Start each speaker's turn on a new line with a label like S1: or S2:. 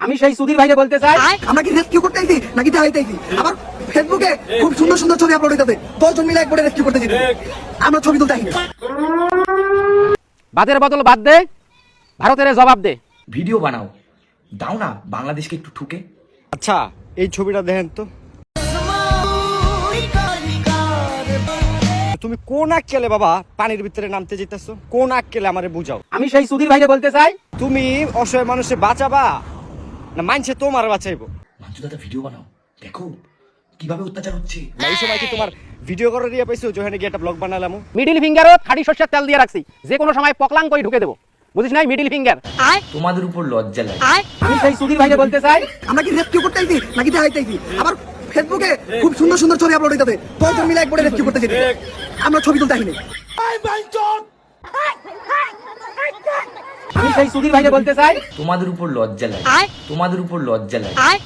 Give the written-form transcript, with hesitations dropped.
S1: আমি সেই সুধীর ভাইকে বলতে চাই,
S2: আমরা কি রেস্কিউ করতে আইছি নাকি দেখাইতেছি? আবার ফেসবুকে খুব সুন্দর সুন্দর ছবি আপলোড হইতাছে, 10 জন মিলে একবারে রেস্কিউ করতে যেতে আমরা ছবি তুলতে আইনি।
S1: বাদের বদল বাদ দে, ভারতের জবাব দে।
S3: ভিডিও বানাও, দাও না বাংলাদেশকে একটু ঠুকে।
S4: আচ্ছা এই ছবিটা দেখেন তো, তুমি কোন আক্কেলে বাবা পানির ভিতরে নামতে যেতেছো? কোন আক্কেলে আমারে বুঝাও।
S1: আমি সেই সুধীর ভাইকে বলতে চাই,
S4: তুমি অসহায় মানুষে বাঁচাবা না মানছে তোমার বাঁচাইবো?
S3: মাঞ্জু দাদা ভিডিও বানাও, দেখো কিভাবে অত্যাচার হচ্ছে।
S4: এই সময় কি তোমার ভিডিও করে দিয়ে পাইছো যেখানে গিয়ে একটা ব্লগ বানালাম?
S1: মিডিল ফিঙ্গারও খাঁটি সরষের তেল দিয়ে রাখছি, যে কোনো সময় পকলাং করে ঢুকে দেবো, বুঝিস নাই? Middle finger.
S3: তোমাদের উপর লজ্জা লাগে।
S1: আমি সেই সুধীর ভাইকে বলতে চাই,
S2: আমরা কি রেস্কিউ করতে আইছি নাকি দেখাইতেছি? আবার ফেসবুকে খুব সুন্দর সুন্দর ছবি আপলোড হইতাছে, 10 জন মিলে একবারে রেস্কিউ করতে যেতে আমরা ছবি তুলতে আইনি।
S1: আমি সেই সুধীর ভাইকে বলতে চাই,
S3: তোমাদের উপর লজ্জা লাগে। তোমাদের উপর লজ্জা লাগে।